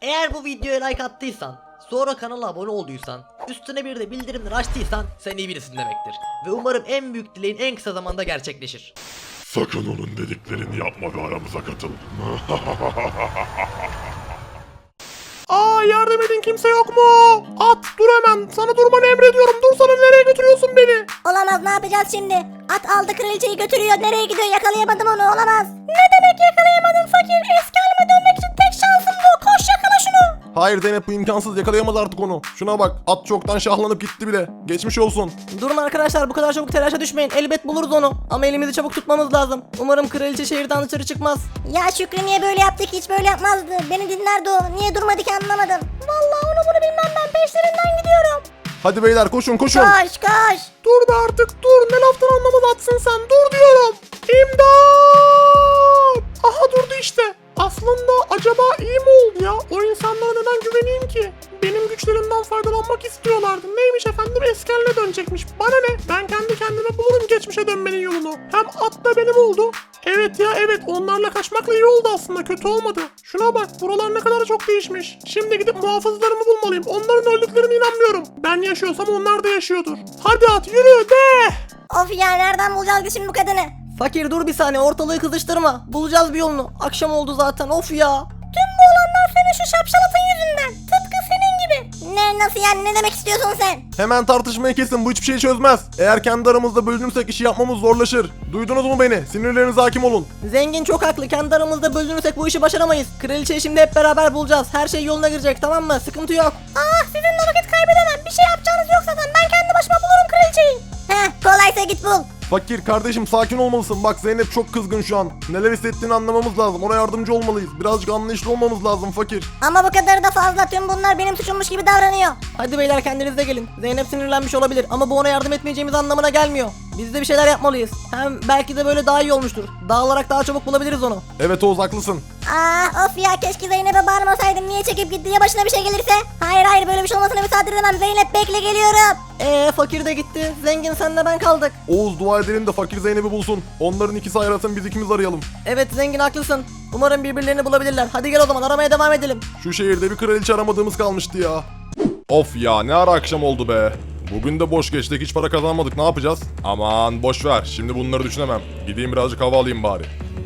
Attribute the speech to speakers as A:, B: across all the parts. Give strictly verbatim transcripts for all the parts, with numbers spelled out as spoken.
A: Eğer bu videoya like attıysan, sonra kanala abone olduysan, üstüne bir de bildirimleri açtıysan sen iyi birisin demektir. Ve umarım en büyük dileğin en kısa zamanda gerçekleşir.
B: Sakın onun dediklerini yapma ve aramıza katıl.
C: Aa, yardım edin, kimse yok mu? At, dur hemen, sana durmanı emrediyorum. Dursana, nereye götürüyorsun beni?
D: Olamaz, ne yapacağız şimdi? At aldı kraliçeyi götürüyor. Nereye gidiyor? Yakalayamadım onu, olamaz. Ne demek yakalayamadın fakir? Eski halime dönmek için tek şansım bu. Koş, yakala şunu.
C: Hayır Zeynep, bu imkansız, yakalayamaz artık onu. Şuna bak, at çoktan şahlanıp gitti bile. Geçmiş olsun.
E: Durun arkadaşlar, bu kadar çabuk telaşa düşmeyin. Elbet buluruz onu. Ama elimizi çabuk tutmamız lazım. Umarım kraliçe şehirden dışarı çıkmaz.
D: Ya Şükrü niye böyle yaptı ki? Hiç böyle yapmazdı. Beni dinlerdi o. Niye durmadı ki, anlamadım. Vallahi onu bunu bilmem, ben peşlerinden gidiyorum.
C: Hadi beyler, koşun koşun.
D: Koş koş.
C: Dur be artık, dur. Ne laftan anlamaz atsın sen. Dur diyorum. İmdat! Aha, durdu işte. Aslında acaba iyi mi oldu ya? O insanlara neden güveneyim ki? Benim güçlerimden faydalanmak istiyorlardı. Neymiş efendim, eski haline dönecekmiş. Bana ne? Ben kendi kendime bulurum geçmişe dönmenin yolunu. Hem at da benim oldu. Evet ya evet, onlarla kaçmakla iyi oldu aslında, kötü olmadı. Şuna bak, buralar ne kadar çok değişmiş. Şimdi gidip muhafızlarımı bulmalıyım. Onların öldüklerine inanmıyorum. Ben yaşıyorsam onlar da yaşıyordur. Hadi at, yürü de!
D: Of ya, nereden bulacağız biz şimdi bu kadını?
E: Fakir dur bir saniye, ortalığı kızıştırma. Bulacağız bir yolunu. Akşam oldu zaten, of ya.
D: Tüm bu olanlar senin şu şapşalatın yüzünden. Tıpkı senin gibi. Ne, nasıl yani, ne demek istiyorsun sen?
C: Hemen tartışmayı kesin, bu hiçbir şey çözmez. Eğer kendi aramızda bölünürsek işi yapmamız zorlaşır. Duydunuz mu beni? Sinirlerinize hakim olun.
E: Zengin çok haklı, kendi aramızda bölünürsek bu işi başaramayız. Kraliçeyi şimdi hep beraber bulacağız. Her şey yoluna girecek, tamam mı? Sıkıntı yok.
D: Ah, sizinle vakit kaybedemem. Bir şey yapacağınız yok zaten. Ben kendi başıma bulurum kraliçeyi. Heh, kolaysa git bul.
C: Fakir kardeşim, sakin olmalısın. Bak Zeynep çok kızgın şu an. Neler hissettiğini anlamamız lazım. Ona yardımcı olmalıyız. Birazcık anlayışlı olmamız lazım fakir.
D: Ama bu kadarı da fazla. Tüm bunlar benim suçummuş gibi davranıyor.
E: Hadi beyler, kendinize gelin. Zeynep sinirlenmiş olabilir ama bu ona yardım etmeyeceğimiz anlamına gelmiyor. Biz de bir şeyler yapmalıyız. Hem belki de böyle daha iyi olmuştur. Dağılarak daha çabuk bulabiliriz onu.
C: Evet Oğuz, haklısın.
D: Ah of ya, keşke Zeynep'e bağırmasaydım. Niye çekip gitti, ya başına bir şey gelirse? Hayır hayır, böyle bir şey olmasına müsaade edemem. Zeynep bekle, geliyorum.
E: Eee fakir de gitti. Zengin senle ben kaldık.
C: Oğuz, dua edelim de fakir Zeynep'i bulsun. Onların ikisi ayrılsın, biz ikimiz arayalım.
E: Evet zengin, haklısın. Umarım birbirlerini bulabilirler. Hadi gel o zaman, aramaya devam edelim.
C: Şu şehirde bir kraliçe aramadığımız kalmıştı ya. Of ya, ne ara akşam oldu be. Bugün de boş geçtik, hiç para kazanmadık, ne yapacağız? Aman boş ver, şimdi bunları düşünemem. Gideyim birazcık hava alayım bari.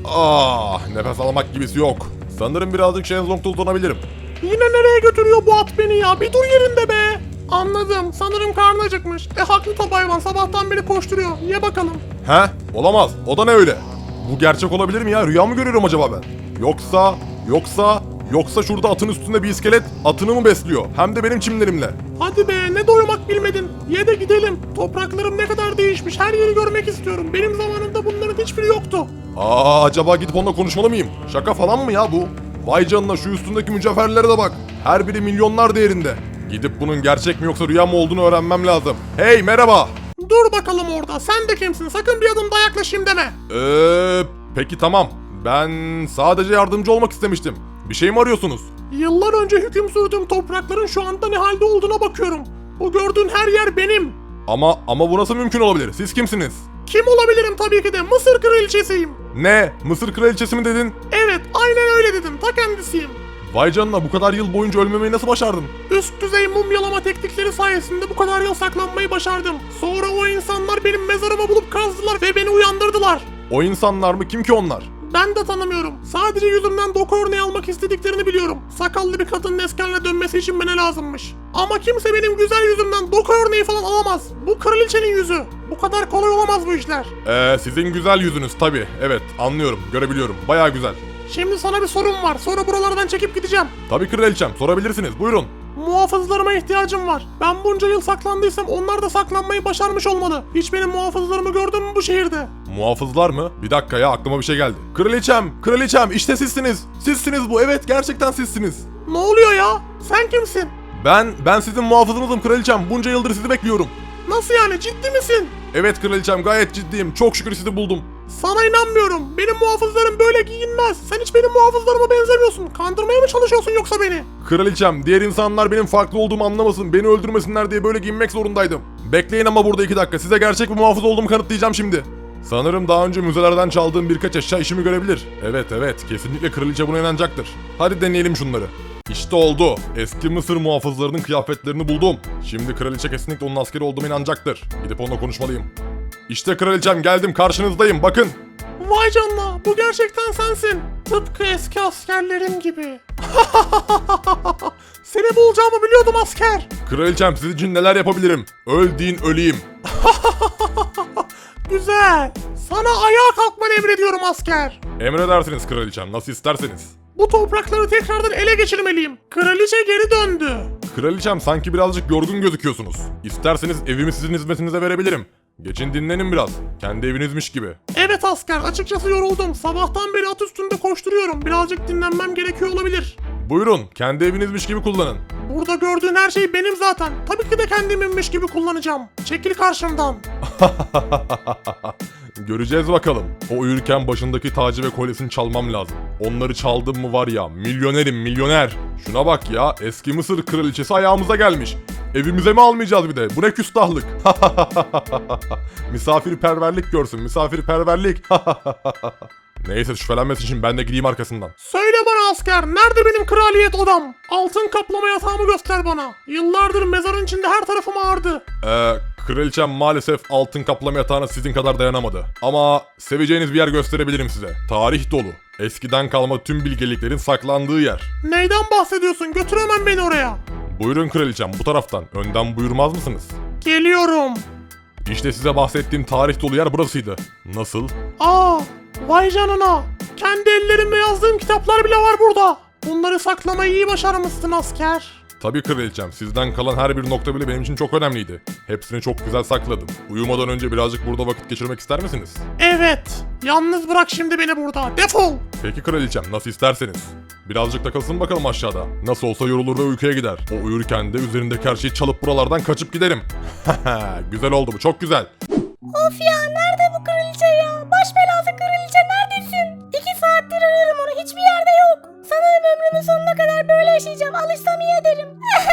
C: Ah, nefes almak gibisi yok. Sanırım birazcık şezlongda uzanabilirim. Yine nereye götürüyor bu at beni ya? Bir dur yerinde be. Anladım, sanırım karnı acıkmış. E haklı tabi hayvan, sabahtan beri koşturuyor. Ye bakalım. He? Olamaz, o da ne öyle? Bu gerçek olabilir mi ya? Rüya mı görüyorum acaba ben? Yoksa, yoksa... Yoksa şurada atın üstünde bir iskelet atını mı besliyor? Hem de benim çimlerimle. Hadi be, ne doymak bilmedin. Ye de gidelim. Topraklarım ne kadar değişmiş. Her yeri görmek istiyorum. Benim zamanımda bunların hiçbiri yoktu. Aa, acaba gidip onunla konuşmalı mıyım? Şaka falan mı ya bu? Vay canına, şu üstündeki mücevherlere de bak. Her biri milyonlar değerinde. Gidip bunun gerçek mi yoksa rüya mı olduğunu öğrenmem lazım. Hey, merhaba. Dur bakalım orada. Sen de kimsin? Sakın bir adım daha yaklaşayım deme. Eee peki tamam. Ben sadece yardımcı olmak istemiştim. Bir şey mi arıyorsunuz? Yıllar önce hüküm sürdüğüm toprakların şu anda ne halde olduğuna bakıyorum. Bu gördüğün her yer benim. Ama ama bu nasıl mümkün olabilir? Siz kimsiniz? Kim olabilirim, tabii ki de Mısır kraliçesiyim. Ne? Mısır kraliçesi mi dedin? Evet, aynen öyle dedim. Ta kendisiyim. Vay canına, bu kadar yıl boyunca ölmemeyi nasıl başardın? Üst düzey mumyalama teknikleri sayesinde bu kadar yıl saklanmayı başardım. Sonra o insanlar benim mezarımı bulup kazdılar ve beni uyandırdılar. O insanlar mı? Kim ki onlar? Ben de tanımıyorum. Sadece yüzümden doku örneği almak istediklerini biliyorum. Sakallı bir kadının eski haline dönmesi için bana lazımmış. Ama kimse benim güzel yüzümden doku örneği falan alamaz. Bu kraliçenin yüzü. Bu kadar kolay olamaz bu işler. Eee sizin güzel yüzünüz tabii. Evet, anlıyorum, görebiliyorum. Bayağı güzel. Şimdi sana bir sorum var. Sonra buralardan çekip gideceğim. Tabii kraliçem, sorabilirsiniz. Buyurun. Muhafızlarıma ihtiyacım var. Ben bunca yıl saklandıysam onlar da saklanmayı başarmış olmalı. Hiç benim muhafızlarımı gördün mü bu şehirde? Muhafızlar mı? Bir dakika ya, aklıma bir şey geldi. Kraliçem, kraliçem, işte sizsiniz. Sizsiniz bu, evet, gerçekten sizsiniz. Ne oluyor ya? Sen kimsin? Ben, ben sizin muhafızınızım kraliçem. Bunca yıldır sizi bekliyorum. Nasıl yani, ciddi misin? Evet kraliçem, gayet ciddiyim. Çok şükür sizi buldum. Sana inanmıyorum. Benim muhafızlarım böyle giyinmez. Sen hiç benim muhafızlarıma benzemiyorsun. Kandırmaya mı çalışıyorsun yoksa beni? Kraliçem, diğer insanlar benim farklı olduğumu anlamasın, beni öldürmesinler diye böyle giyinmek zorundaydım. Bekleyin ama burada iki dakika. Size gerçek bir muhafız olduğumu kanıtlayacağım şimdi. Sanırım daha önce müzelerden çaldığım birkaç eşya işimi görebilir. Evet evet, kesinlikle kraliçe buna inanacaktır. Hadi deneyelim şunları. İşte oldu. Eski Mısır muhafızlarının kıyafetlerini buldum. Şimdi kraliçe kesinlikle onun askeri olduğuma inanacaktır. Gidip onunla konuşmalıyım. İşte kraliçem, geldim, karşınızdayım, bakın.
F: Vay canına, bu gerçekten sensin. Tıpkı eski askerlerim gibi. Seni bulacağımı biliyordum asker.
C: Kraliçem, sizin için neler yapabilirim? Öl deyin öleyim.
F: Güzel. Sana ayağa kalkmanı emrediyorum asker.
C: Emredersiniz kraliçem, nasıl isterseniz.
F: Bu toprakları tekrardan ele geçirmeliyim. Kraliçe geri döndü.
C: Kraliçem, sanki birazcık yorgun gözüküyorsunuz. İsterseniz evimi sizin hizmetinize verebilirim. Geçin dinlenin biraz. Kendi evinizmiş gibi.
F: Evet asker, açıkçası yoruldum. Sabahtan beri at üstünde koşturuyorum. Birazcık dinlenmem gerekiyor olabilir.
C: Buyurun, kendi evinizmiş gibi kullanın.
F: Burada gördüğün her şey benim zaten. Tabii ki de kendiminmiş gibi kullanacağım. Çekil karşımdan.
C: Göreceğiz bakalım. O uyurken başındaki tacı ve kolyesini çalmam lazım. Onları çaldım mı var ya, milyonerim milyoner. Şuna bak ya, eski Mısır kraliçesi ayağımıza gelmiş. Evimize mi almayacağız bir de? Bu ne küstahlık. Misafirperverlik görsün, misafirperverlik. Neyse, şüphelenmesi için ben de gideyim arkasından.
F: Söyle bana asker, nerede benim kraliyet odam? Altın kaplama yatağımı göster bana. Yıllardır mezarın içinde her tarafım ağrıdı.
C: Eee, kraliçem maalesef altın kaplama yatağına sizin kadar dayanamadı. Ama seveceğiniz bir yer gösterebilirim size. Tarih dolu. Eskiden kalma tüm bilgeliklerin saklandığı yer.
F: Neyden bahsediyorsun? Götür hemen beni oraya.
C: Buyurun kraliçem, bu taraftan. Önden buyurmaz mısınız?
F: Geliyorum.
C: İşte size bahsettiğim tarih dolu yer burasıydı. Nasıl?
F: Aa, vay canına. Kendi ellerimle yazdığım kitaplar bile var burada. Bunları saklamayı iyi başarmışsın asker.
C: Tabii kraliçem, sizden kalan her bir nokta bile benim için çok önemliydi. Hepsini çok güzel sakladım. Uyumadan önce birazcık burada vakit geçirmek ister misiniz?
F: Evet. Yalnız bırak şimdi beni burada. Defol.
C: Peki kraliçem, nasıl isterseniz. Birazcık takılsın bakalım aşağıda. Nasıl olsa yorulur ve uykuya gider. O uyurken de üzerindeki her şeyi çalıp buralardan kaçıp giderim. Güzel oldu bu, çok güzel.
D: Of ya, nerede bu kraliçe ya? Baş belası kraliçe, neredesin? İki saattir arıyorum onu, hiçbir yerde yok. Sanırım ömrümün sonuna kadar böyle yaşayacağım. Alışsam iyi ederim.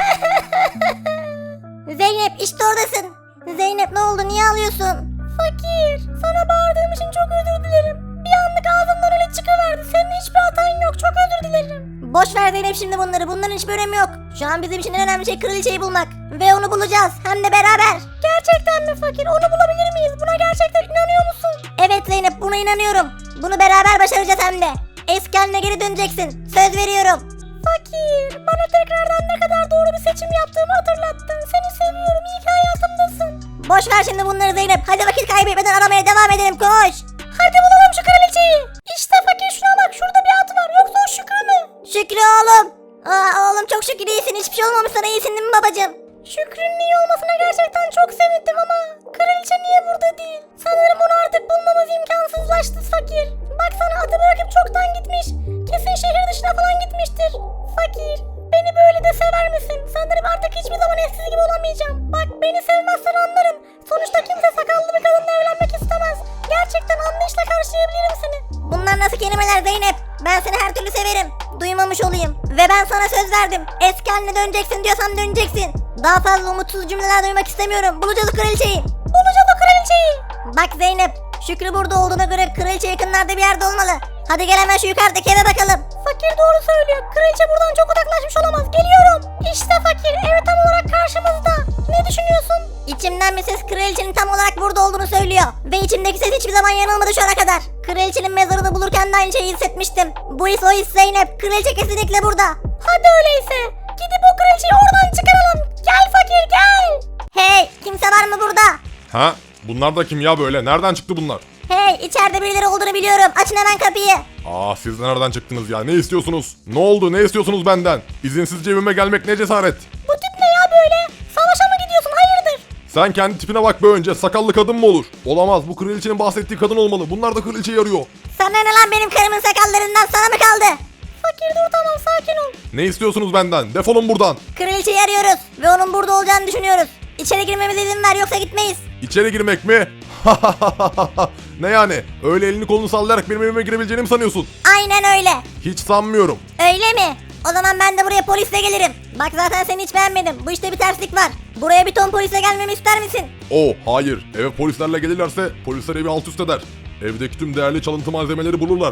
D: Zeynep, işte oradasın. Zeynep, ne oldu, niye ağlıyorsun? Fakir, sana bağırdığım için çok özür dilerim. Bir anlık ağzımdan öyle çıkıverdi. Senin hiçbir hatan yok, çok özür dilerim. Boş ver Zeynep şimdi bunları, bunların hiçbir önemi yok. Şu an bizim için en önemli şey kraliçeyi bulmak. Ve onu bulacağız, hem de beraber. Gerçekten mi fakir, onu bulabilir miyiz? Buna gerçekten inanıyor musun? Evet Zeynep, buna inanıyorum. Bunu beraber başaracağız hem de. Eski haline geri döneceksin, söz veriyorum. Fakir, bana tekrardan ne kadar doğru bir seçim yaptığımı hatırlattın. Seni seviyorum, iyi ki hayatımdasın. Boş ver şimdi bunları Zeynep, hadi vakit kaybetmeden aramaya devam edelim, koş. Hadi bulalım şu kraliçeyi. İşte fakir, şuna bak, şurada bir at var, yoksa o Şükrü mü? Şükrü oğlum. Aa oğlum, çok şükür iyisin, hiçbir şey olmamış sana, iyisin değil mi babacığım? Şükrü'nün iyi olmasına gerçekten çok sevindim ama kraliçe niye burada değil? Sanırım onu artık bulmamız imkansızlaştı fakir. Baksana, atı bırakıp çoktan gitmiş. Kesin şehir dışına falan gitmiştir. Fakir, beni böyle de sever misin? Sanırım artık hiçbir zaman eskisi gibi olamayacağım. Bak, beni sevmezsen anlarım. Sonuçta kimse sakallı bir kadınla evlenmek istemez. Gerçekten anlayışla karşılayabilirim seni. Bunlar nasıl kelimeler Zeynep? Ben seni her türlü severim. Duymamış olayım. Ve ben sana söz verdim. Eski haline döneceksin diyorsam döneceksin. Daha fazla umutsuz cümleler duymak istemiyorum. Bulacağız o kraliçeyi. Bulacağız o kraliçeyi. Bak Zeynep, Şükrü burada olduğuna göre kraliçe yakınlarda bir yerde olmalı. Hadi gel hemen şu yukarıdaki eve bakalım. Fakir doğru söylüyor. Kraliçe buradan çok uzaklaşmış olamaz. Geliyorum. İşte fakir, ev tam olarak karşımızda. Ne düşünüyorsun? İçimden bir ses kraliçenin tam olarak burada olduğunu söylüyor. Ve içimdeki ses hiçbir zaman yanılmadı şu ana kadar. Kraliçenin mezarını bulurken de aynı şeyi hissetmiştim. Bu his o his Zeynep. Kraliçe kesinlikle burada. Hadi öyleyse. Gidip o kraliçeyi oradan çıkaralım. Gel fakir, gel. Hey, kimse var mı burada?
C: Ha? Bunlar da kim ya böyle? Nereden çıktı bunlar?
D: Hey, içeride birileri olduğunu biliyorum. Açın hemen kapıyı.
C: Aa, siz nereden çıktınız ya? Ne istiyorsunuz? Ne oldu? Ne istiyorsunuz benden? İzinsizce evime gelmek ne cesaret?
D: Bu tip ne ya böyle? Savaşa mı gidiyorsun? Hayırdır?
C: Sen kendi tipine bak be önce. Sakallı kadın mı olur? Olamaz. Bu kraliçenin bahsettiği kadın olmalı. Bunlar da kraliçeyi arıyor.
D: Sana ne lan, benim karımın sakallarından sana mı kaldı? Fakir dur, tamam, sakin ol.
C: Ne istiyorsunuz benden? Defolun buradan.
D: Kraliçeyi arıyoruz ve onun burada olacağını düşünüyoruz. İçeri girmemize izin ver, yoksa gitmeyiz.
C: İçeri girmek mi? Ne yani? Öyle elini kolunu sallayarak benim evime girebileceğini mi sanıyorsun?
D: Aynen öyle.
C: Hiç sanmıyorum.
D: Öyle mi? O zaman ben de buraya polisle gelirim. Bak zaten seni hiç beğenmedim. Bu işte bir terslik var. Buraya bir ton polisle gelmemi ister misin?
C: Oh hayır. Eve polislerle gelirlerse polisler evi alt üst eder. Evdeki tüm değerli çalıntı malzemeleri bulurlar.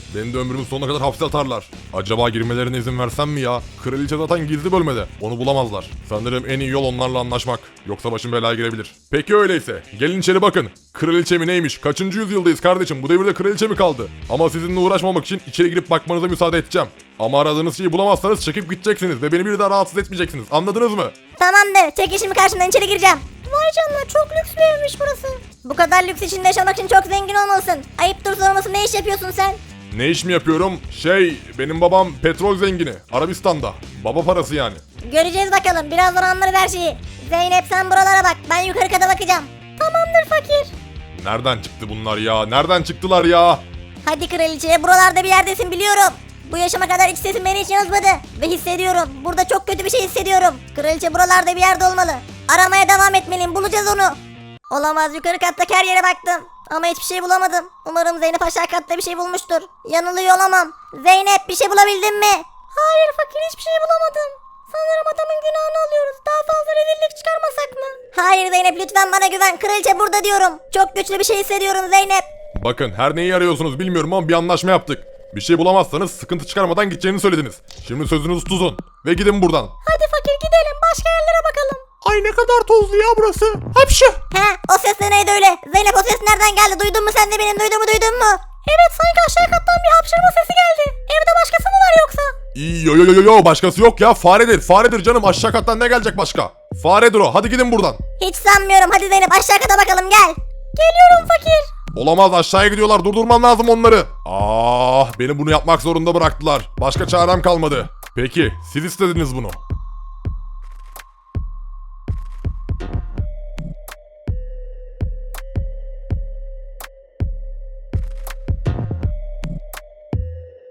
C: Beni de ömrümün sonuna kadar hapse atarlar. Acaba girmelerine izin versem mi ya? Kraliçe zaten gizli bölmede. Onu bulamazlar. Sanırım en iyi yol onlarla anlaşmak. Yoksa başım belaya girebilir. Peki öyleyse. Gelin içeri bakın. Kraliçe mi neymiş? Kaçıncı yüzyıldayız kardeşim? Bu devirde kraliçe mi kaldı? Ama sizinle uğraşmamak için içeri girip bakmanıza müsaade edeceğim. Ama aradığınız şeyi bulamazsanız çekip gideceksiniz ve beni bir daha rahatsız etmeyeceksiniz. Anladınız mı?
D: Tamamdır. Çek işimi karşımdan içeri gireceğim. Vay canına çok lüks bir evmiş burası. Bu kadar lüks içinde yaşamak için çok zengin olmalısın. Ayıptır sorması ne iş yapıyorsun sen?
C: Ne iş mi yapıyorum? Şey, benim babam petrol zengini. Arabistan'da. Baba parası yani.
D: Göreceğiz bakalım. Birazdan anlarız her şeyi. Zeynep sen buralara bak. Ben yukarı kata bakacağım. Tamamdır fakir.
C: Nereden çıktı bunlar ya? Nereden çıktılar ya?
D: Hadi kraliçe buralarda bir yerdesin biliyorum. Bu yaşıma kadar iç sesim beni hiç yazmadı. Ve hissediyorum. Burada çok kötü bir şey hissediyorum. Kraliçe buralarda bir yerde olmalı. Aramaya devam etmeliyim. Bulacağız onu. Olamaz, yukarı kattaki her yere baktım. Ama hiçbir şey bulamadım. Umarım Zeynep aşağı katta bir şey bulmuştur. Yanılıyor olamam. Zeynep bir şey bulabildin mi? Hayır fakir, hiçbir şey bulamadım. Sanırım adamın günahını alıyoruz. Daha fazla rezillik çıkarmasak mı? Hayır Zeynep, lütfen bana güven. Kraliçe burada diyorum. Çok güçlü bir şey hissediyorum Zeynep.
C: Bakın her neyi arıyorsunuz bilmiyorum ama bir anlaşma yaptık. Bir şey bulamazsanız sıkıntı çıkarmadan gideceğini söylediniz. Şimdi sözünüzü tutun ve gidin buradan.
D: Hadi fakir gidelim, başka yerlere bakalım.
F: Ay ne kadar tozlu ya burası. Hapşı.
D: He, o ses de neydi öyle? Zeynep o ses nereden geldi? Duydun mu sen de benim duyduğumu, duydun mu? Evet, sanki aşağı kattan bir hapşırma sesi geldi. Evde başkası mı var yoksa?
C: Yo yo yo yo başkası yok ya, faredir faredir canım, aşağı kattan ne gelecek başka? Faredir o, hadi gidin buradan.
D: Hiç sanmıyorum. Hadi Zeynep aşağı kata bakalım, gel. Geliyorum fakir.
C: Olamaz, aşağıya gidiyorlar, durdurman lazım onları. Ah, beni bunu yapmak zorunda bıraktılar. Başka çarem kalmadı. Peki siz istediniz bunu.